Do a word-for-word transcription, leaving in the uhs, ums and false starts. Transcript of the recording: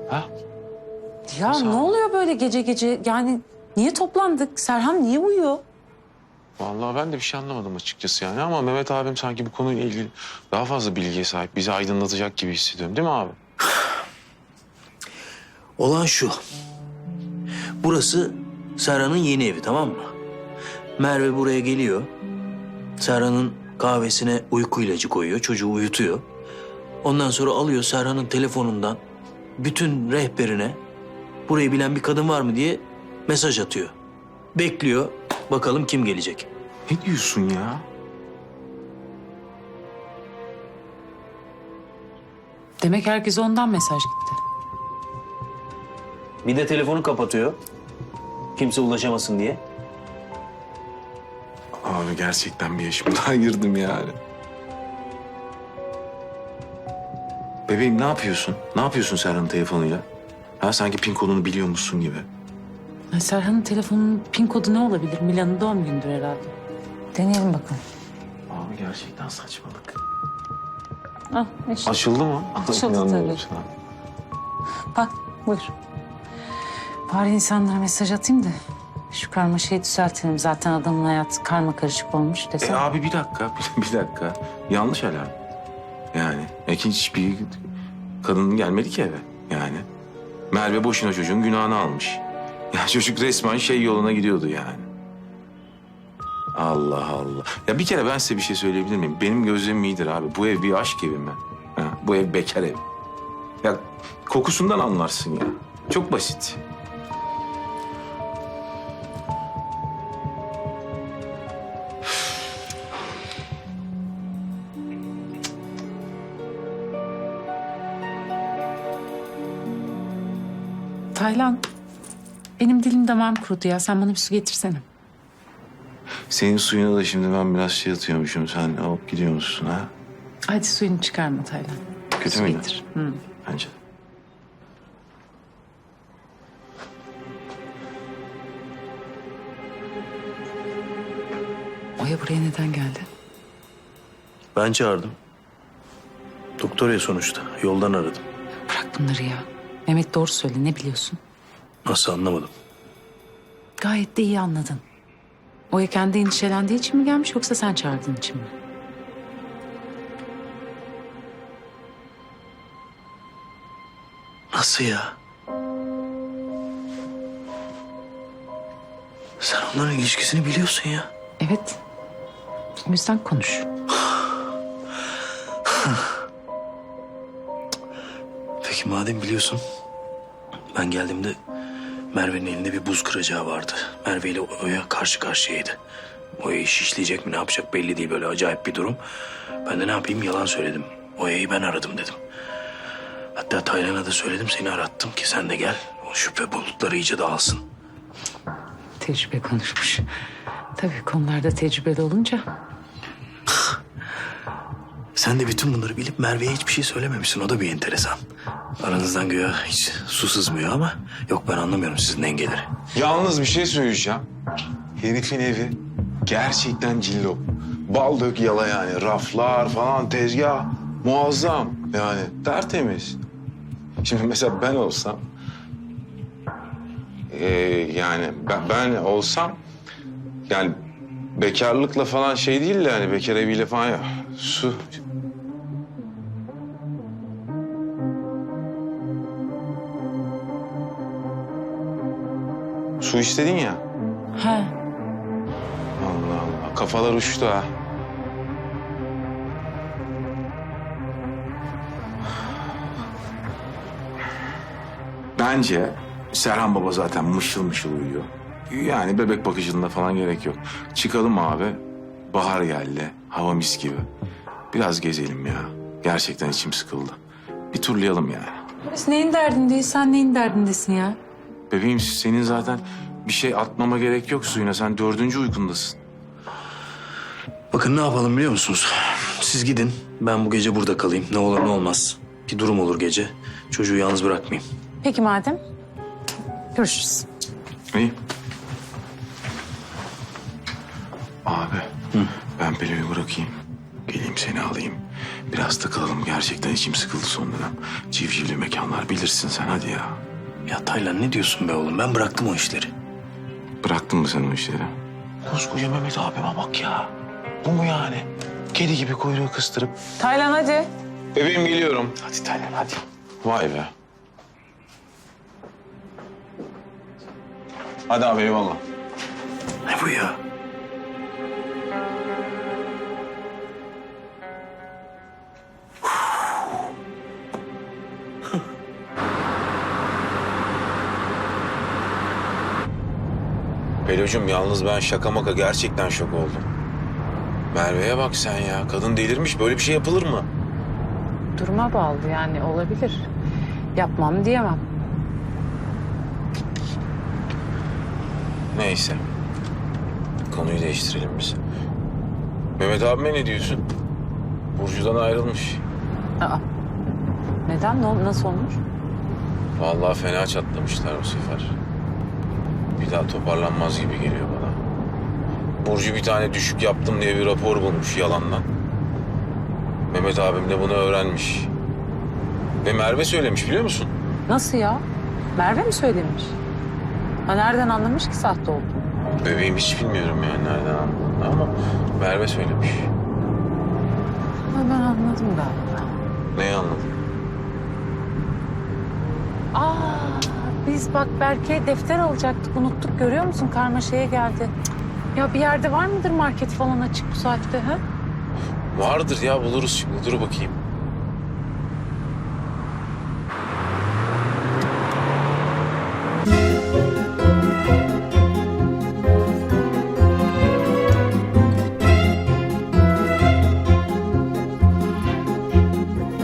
Ha? Ya Sağ ol. ne oluyor böyle gece gece? Yani niye toplandık? Serhan niye uyuyor? Vallahi ben de bir şey anlamadım açıkçası yani ama Mehmet abim sanki bu konuyla ilgili daha fazla bilgiye sahip. Bizi aydınlatacak gibi hissediyorum değil mi abi? Olan şu. Burası Serhan'ın yeni evi, tamam mı? Merve buraya geliyor. Serhan'ın kahvesine uyku ilacı koyuyor. Çocuğu uyutuyor. Ondan sonra alıyor Serhan'ın telefonundan bütün rehberine burayı bilen bir kadın var mı diye mesaj atıyor. Bekliyor. Bakalım kim gelecek. Ne diyorsun ya? Demek herkese ondan mesaj gitti. Bir de telefonu kapatıyor. Kimse ulaşamasın diye. Abi gerçekten bir yaşımdan girdim yani. Bebeğim ne yapıyorsun? Ne yapıyorsun Serhan'ın telefonuyla? Ha sanki pin kodunu biliyormuşsun gibi. Ya Serhan'ın telefonunun pin kodu ne olabilir? Milan'ın doğum günüdür herhalde. Deneyelim bakalım. Abi gerçekten saçmalık. Ah işte. Açıldı mı? Açıldı İnanmıyorum tabii. sana. Bak buyur. Bari insanlara mesaj atayım da şu karmaşayı düzeltelim. Zaten adamın hayatı karma karışık olmuş E desem. abi bir dakika, bir dakika. Yanlış alarm. Yani ikinci hiçbir kadın gelmedi ki eve yani. Merve boşuna çocuğun günahını almış. Ya çocuk resmen şey yoluna gidiyordu yani. Allah Allah. Ya bir kere ben size bir şey söyleyebilir miyim? Benim gözlemim iyidir abi. Bu ev bir aşk evi mi? Ha, bu ev bekar ev. Ya kokusundan anlarsın ya. Çok basit. Taylan, benim dilim damağım kurudu ya. Sen bana bir su getirsene. Senin suyuna da şimdi ben biraz şey atıyormuşum. Sen alıp gidiyor musun ha? Hadi suyunu çıkarma Taylan. Kötü Su müydü? getir. Hı. Bence de. Oya buraya neden geldi? Ben çağırdım. Doktor ya sonuçta. Yoldan aradım. Bırak bunları ya. Mehmet doğru söyle. Ne biliyorsun? Nasıl anlamadım. Gayet de iyi anladın. Oya kendi endişelendiği için mi gelmiş yoksa sen çağırdığın için mi? Nasıl ya? Sen onların ilişkisini biliyorsun ya. Evet. O yüzden konuş. Peki madem biliyorsun, ben geldiğimde Merve'nin elinde bir buz kıracağı vardı. Merve ile Oya karşı karşıyaydı. Oya'yı şişleyecek mi ne yapacak belli değil, böyle acayip bir durum. Ben de ne yapayım, yalan söyledim. Oya'yı ben aradım dedim. Hatta Taylan'a da söyledim, seni arattım ki sen de gel. O şüphe bulutları iyice dağılsın. Tecrübe konuşmuş. Tabii konularda tecrübeli olunca. Sen de bütün bunları bilip Merve'ye hiçbir şey söylememişsin. O da bir enteresan. Aranızdan güya hiç su sızmıyor ama yok, ben anlamıyorum sizin dengeleri. Yalnız bir şey söyleyeceğim. Herifin evi gerçekten cillop. Bal dök yala yani. Raflar falan, tezgah muazzam. Yani tertemiz. Şimdi mesela ben olsam... Ee, yani ben, ben olsam... Yani bekarlıkla falan şey değil de hani bekar eviyle falan ya. Su. Su istedin ya. He. Allah Allah. Kafalar uçtu ha. Bence Serhan Baba zaten mışıl mışıl uyuyor. Yani bebek bakıcılığına falan gerek yok. Çıkalım abi. Bahar geldi. Hava mis gibi. Biraz gezelim ya. Gerçekten içim sıkıldı. Bir turlayalım yani. Biz neyin derdindeyiz? Sen neyin derdindesin ya? Bebeğim senin zaten bir şey atmama gerek yok suyuna. Sen dördüncü uykundasın. Bakın ne yapalım biliyor musunuz? Siz gidin, ben bu gece burada kalayım. Ne olur ne olmaz. Bir durum olur gece. Çocuğu yalnız bırakmayayım. Peki madem. Görüşürüz. İyi. Abi ben Pelin'i bırakayım. Geleyim seni alayım. Biraz takılalım. Gerçekten içim sıkıldı son dönem. Civcivli mekanlar bilirsin sen, hadi ya. Ya Taylan ne diyorsun be oğlum? Ben bıraktım o işleri. Bıraktın mı sen o işleri? Koskoca Mehmet abime bak ya. Bu mu yani? Kedi gibi kuyruğu kıstırıp. Taylan hadi. Bebeğim geliyorum. Hadi Taylan hadi. Vay be. Hadi abi eyvallah. Ne bu ya? Pelocuğum yalnız ben şaka maka gerçekten şok oldum. Merve'ye bak sen ya. Kadın delirmiş. Böyle bir şey yapılır mı? Duruma bağlı yani, olabilir. Yapmam diyemem. Neyse. Konuyu değiştirelim biz. Mehmet abime ne diyorsun? Burcu'dan ayrılmış. Aa. Neden? Ne, nasıl olmuş? Vallahi fena çatlamışlar bu sefer. Bir daha toparlanmaz gibi geliyor bana. Burcu bir tane düşük yaptım diye bir rapor bulmuş yalandan. Mehmet abim de bunu öğrenmiş. Ve Merve söylemiş biliyor musun? Nasıl ya? Merve mi söylemiş? Ha, nereden anlamış ki sahte olduğunu? Bebeğim hiç bilmiyorum yani nereden anladığını ama Merve söylemiş. Ha, ben anladım galiba. Neyi anladın? Aa, biz bak Berke'ye defter alacaktık, unuttuk, görüyor musun? Karmaşaya geldi. Cık. Ya bir yerde var mıdır market falan açık bu saatte ha? Vardır ya, buluruz şimdi, dur bakayım.